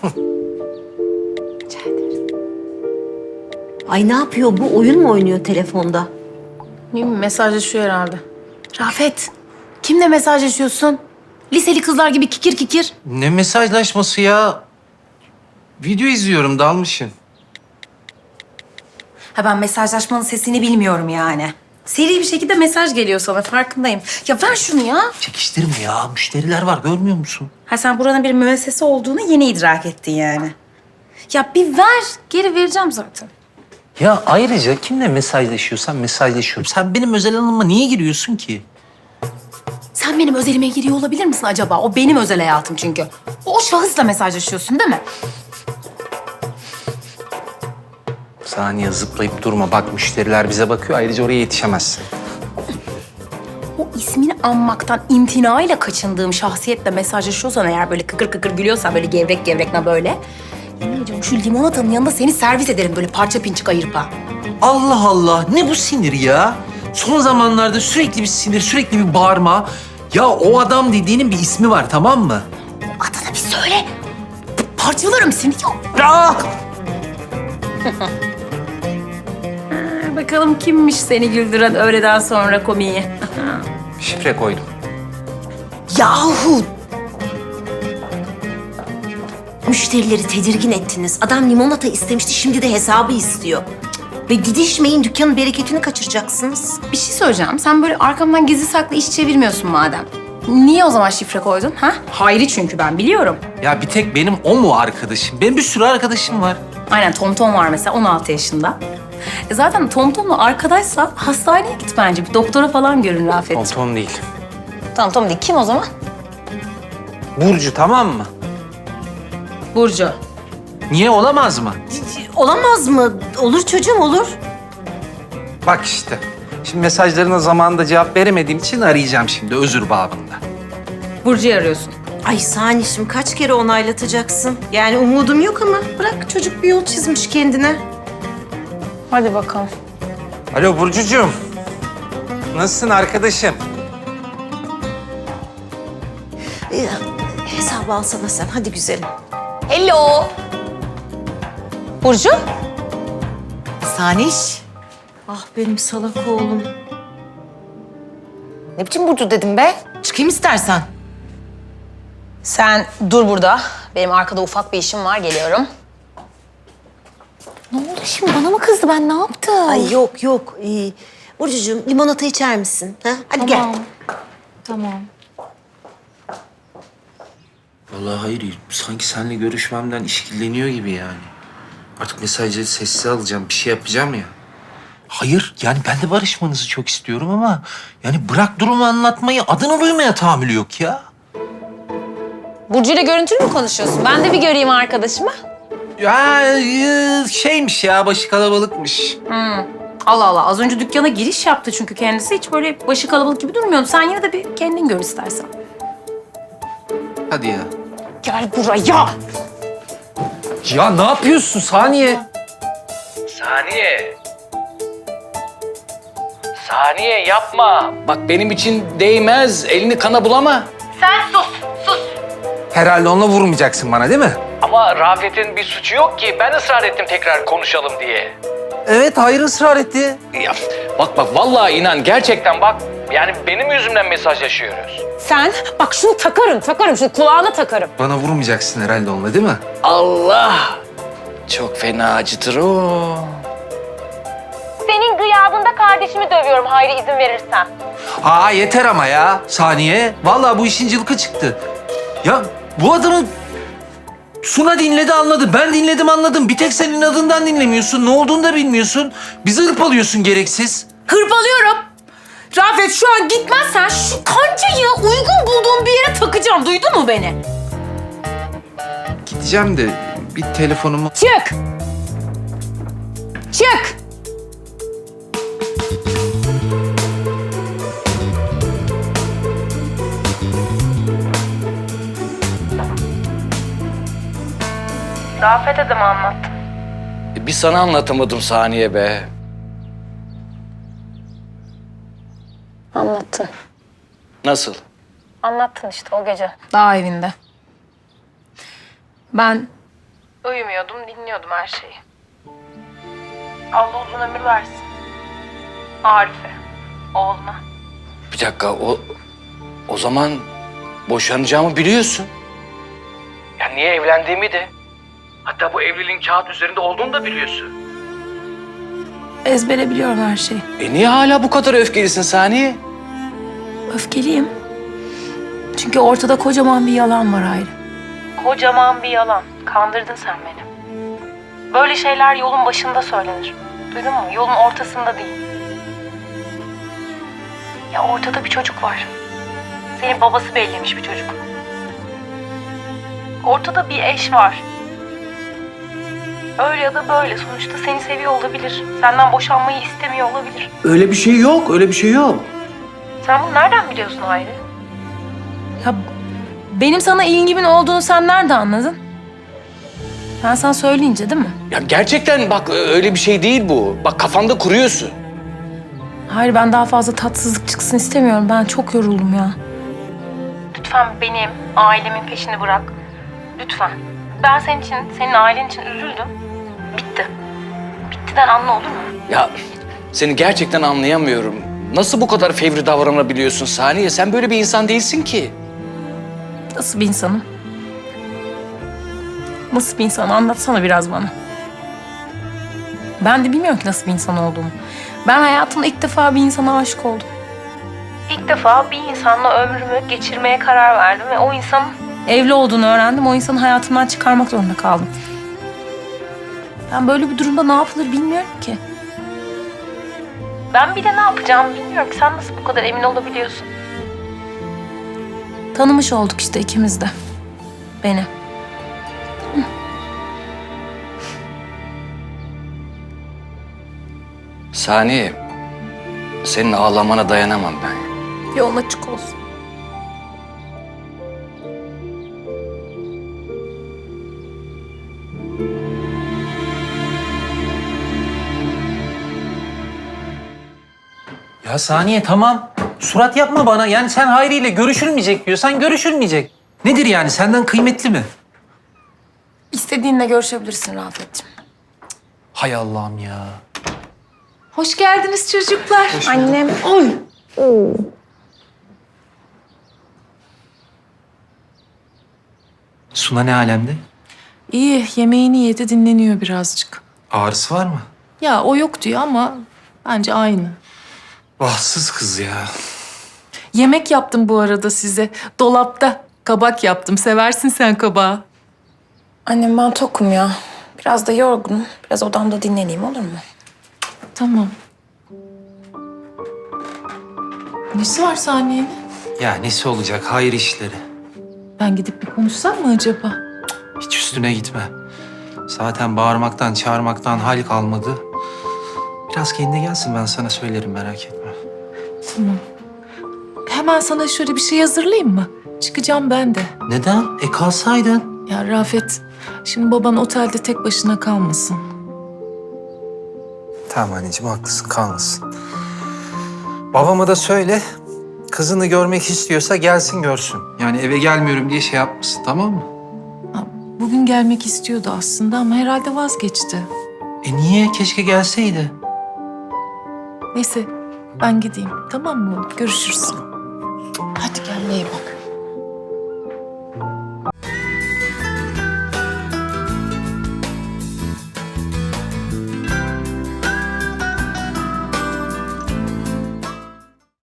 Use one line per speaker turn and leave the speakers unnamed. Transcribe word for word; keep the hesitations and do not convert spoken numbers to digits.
Rica ederim. Ay ne yapıyor bu? Oyun mu oynuyor telefonda?
Değil mi? Mesajlaşıyor herhalde. Rafet, kimle mesajlaşıyorsun? Liseli kızlar gibi kikir kikir.
Ne mesajlaşması ya? Video izliyorum, dalmışım.
Ha ben mesajlaşmanın sesini bilmiyorum yani. Seri bir şekilde mesaj geliyor sana, farkındayım. Ya ver şunu ya.
Çekiştirme ya, müşteriler var, görmüyor musun?
Ha sen buranın bir müessese olduğunu yeni idrak ettin yani. Ya bir ver, geri vereceğim zaten.
Ya ayrıca kimle mesajlaşıyorsan mesajlaşıyorum. Sen benim özel alanıma niye giriyorsun ki?
Sen benim özelime giriyor olabilir misin acaba? O benim özel hayatım çünkü. O şahısla mesajlaşıyorsun değil mi?
Saniye zıplayıp durma. Bak müşteriler bize bakıyor. Ayrıca oraya yetişemezsin.
O ismini anmaktan imtinayla kaçındığım şahsiyetle mesajlaşıyorsan eğer böyle kıkır kıkır gülüyorsan böyle gevrek gevrek ne böyle. Yemin ediyorum şu limonatanın yanında seni servis ederim böyle parça pinçik ayırıp ha.
Allah Allah. Ne bu sinir ya? Son zamanlarda sürekli bir sinir, sürekli bir bağırma. Ya o adam dediğinin bir ismi var, tamam mı?
Adını bir söyle. Parçalarım seni ya.
Ah!
Bakalım kimmiş seni güldüren öğleden sonra komiği.
Şifre koydum.
Yahu! Müşterileri tedirgin ettiniz. Adam limonata istemişti, şimdi de hesabı istiyor. Cık, ve didişmeyin, dükkanın bereketini kaçıracaksınız.
Bir şey söyleyeceğim. Sen böyle arkamdan gizli saklı iş çevirmiyorsun madem. Niye o zaman şifre koydun ha? Hayri çünkü ben biliyorum.
Ya bir tek benim o mu arkadaşım? Benim bir sürü arkadaşım var.
Aynen Tomtom var mesela on altı yaşında. E zaten Tomtom'la arkadaşsa hastaneye git bence. Bir doktora falan görün Rafet'ciğim.
Tom değil.
Tamam Tom değil. Kim o zaman?
Burcu, tamam mı?
Burcu.
Niye, olamaz mı?
Olamaz mı? Olur çocuğum, olur.
Bak işte. Şimdi mesajlarına zamanında cevap veremediğim için arayacağım şimdi özür babında.
Burcu'yu arıyorsun.
Ay Sanişim, kaç kere onaylatacaksın? Yani umudum yok ama bırak, çocuk bir yol çizmiş kendine.
Hadi bakalım.
Alo Burcucuğum. Nasılsın arkadaşım?
Ee, hesabı alsana sen, hadi güzelim.
Hello. Burcu?
Saniş. Ah benim salak oğlum.
Ne biçim Burcu dedim be? Çıkayım istersen.
Sen dur burada. Benim arkada ufak bir işim var. Geliyorum.
Ne oldu şimdi? Bana mı kızdı? Ben ne yaptım?
Ay yok yok. Ee, Burcucuğum limonata içer misin? Ha? Hadi gel.
Tamam.
Vallahi hayır, sanki seninle görüşmemden işkilleniyor gibi yani. Artık mesajları sessize alacağım, bir şey yapacağım ya. Hayır, yani ben de barışmanızı çok istiyorum ama... ...yani bırak durumu anlatmayı, adını duymaya tahammülü yok ya.
Burcu'yla görüntülü mü konuşuyorsun? Ben de bir göreyim arkadaşımı.
Ya e, şeymiş ya, başı kalabalıkmış.
Allah Allah. Az önce dükkana giriş yaptı çünkü kendisi. Hiç böyle başı kalabalık gibi durmuyordu. Sen yine de bir kendin gör istersen.
Hadi ya.
Gel buraya.
Ya ne yapıyorsun Saniye?
Saniye. Saniye yapma. Bak benim için değmez. Elini kana bulama.
Herhalde onunla vurmayacaksın bana değil mi?
Ama Rafet'in bir suçu yok ki. Ben ısrar ettim tekrar konuşalım diye.
Evet, hayır ısrar etti.
Ya bak bak vallahi inan gerçekten bak. Yani benim yüzümden mesajlaşıyoruz.
Sen bak şunu takarım, takarım. Şunu kulağına takarım.
Bana vurmayacaksın herhalde onunla değil mi?
Allah. Çok fena acıtır o.
Senin gıyabında kardeşimi dövüyorum Hayri izin verirsen.
Aa yeter ama ya Saniye. Vallahi bu işin cılkı çıktı. Ya bu adamı Suna dinledi anladı. Ben dinledim anladım. Bir tek senin adından dinlemiyorsun. Ne olduğunu da bilmiyorsun. Bizi hırpalıyorsun gereksiz.
Hırpalıyorum. Rafet şu an gitmezsen şu kancayı uygun bulduğum bir yere takacağım. Duydun mu beni?
Gideceğim de bir telefonumu...
Çık! Çık!
Rafet'e de mi anlattın?
Bir sana anlatamadım Saniye be.
Anlattın.
Nasıl?
Anlattın işte o gece.
Dağ evinde. Ben Uyumuyordum, dinliyordum her şeyi. Allah uzun ömür versin. Arif'e, oğluna.
Bir dakika o o zaman boşanacağımı biliyorsun. Ya niye evlendiğimi de. Hatta bu evliliğin kağıt üzerinde olduğunu da biliyorsun.
Ezbere biliyorum her şeyi.
E niye hala bu kadar öfkelisin Saniye?
Öfkeliyim. Çünkü ortada kocaman bir yalan var Hayri. Kocaman bir yalan. Kandırdın sen beni. Böyle şeyler yolun başında söylenir. Duydun mu? Yolun ortasında değil. Ya ortada bir çocuk var. Senin babası bellemiş bir çocuk. Ortada bir eş var. Öyle ya da böyle. Sonuçta seni seviyor olabilir. Senden boşanmayı istemiyor olabilir.
Öyle bir şey yok, öyle bir şey yok.
Sen bunu nereden biliyorsun Hayri? Ya benim sana ilgimin olduğunu sen nerede anladın? Ben sana söyleyince değil mi?
Ya gerçekten bak öyle bir şey değil bu. Bak kafanda kuruyorsun.
Hayır, ben daha fazla tatsızlık çıksın istemiyorum. Ben çok yoruldum ya. Lütfen benim, ailemin peşini bırak. Lütfen. Ben senin için, senin ailen için üzüldüm. Bitti. Bittiden anla olur mu?
Ya seni gerçekten anlayamıyorum. Nasıl bu kadar fevri davranabiliyorsun Saniye? Sen böyle bir insan değilsin ki.
Nasıl bir insanım? Nasıl bir insan? Anlatsana biraz bana. Ben de bilmiyorum ki nasıl bir insan olduğumu. Ben hayatımda ilk defa bir insana aşık oldum. İlk defa bir insanla ömrümü geçirmeye karar verdim ve o insanın evli olduğunu öğrendim. O insanı hayatımdan çıkarmak zorunda kaldım. Ben böyle bir durumda ne yapılır bilmiyorum ki. Ben bir de ne yapacağımı bilmiyorum ki. Sen nasıl bu kadar emin olabiliyorsun? Tanımış olduk işte ikimiz de. Beni.
Saniye, senin ağlamana dayanamam ben.
Yolun açık olsun.
Ya Saniye tamam. Surat yapma bana. Yani sen Hayri ile görüşülmeyecek diyorsan görüşülmeyecek. Nedir yani? Senden kıymetli mi?
İstediğinle görüşebilirsin Rafet'ciğim.
Hay Allah'ım ya.
Hoş geldiniz çocuklar.
Annem.
Oy.
Suna ne alemde?
İyi, yemeğini yedi, dinleniyor birazcık.
Ağrısı var mı?
Ya o yok diyor ama bence aynı.
Bahtsız kız ya.
Yemek yaptım bu arada size. Dolapta kabak yaptım. Seversin sen kabağı.
Annem ben tokum ya. Biraz da yorgunum. Biraz odamda dinleneyim olur mu?
Tamam. Nesi var Saniye'nin?
Ya nesi olacak? Hayır işleri.
Ben gidip bir konuşsam mı acaba?
Hiç üstüne gitme. Zaten bağırmaktan, çağırmaktan hal kalmadı. Biraz kendine gelsin, ben sana söylerim, merak etme.
Tamam. Hemen sana şöyle bir şey hazırlayayım mı? Çıkacağım ben de.
Neden? E kalsaydın.
Ya Rafet, şimdi baban otelde tek başına kalmasın.
Tamam anneciğim, haklısın, kalmasın. Babama da söyle, kızını görmek istiyorsa gelsin görsün. Yani eve gelmiyorum diye şey yapmasın, tamam mı?
Ha, bugün gelmek istiyordu aslında ama herhalde vazgeçti.
E niye? Keşke gelseydi.
Neyse ben gideyim, tamam mı? Görüşürüz. Hadi kendine iyi bak.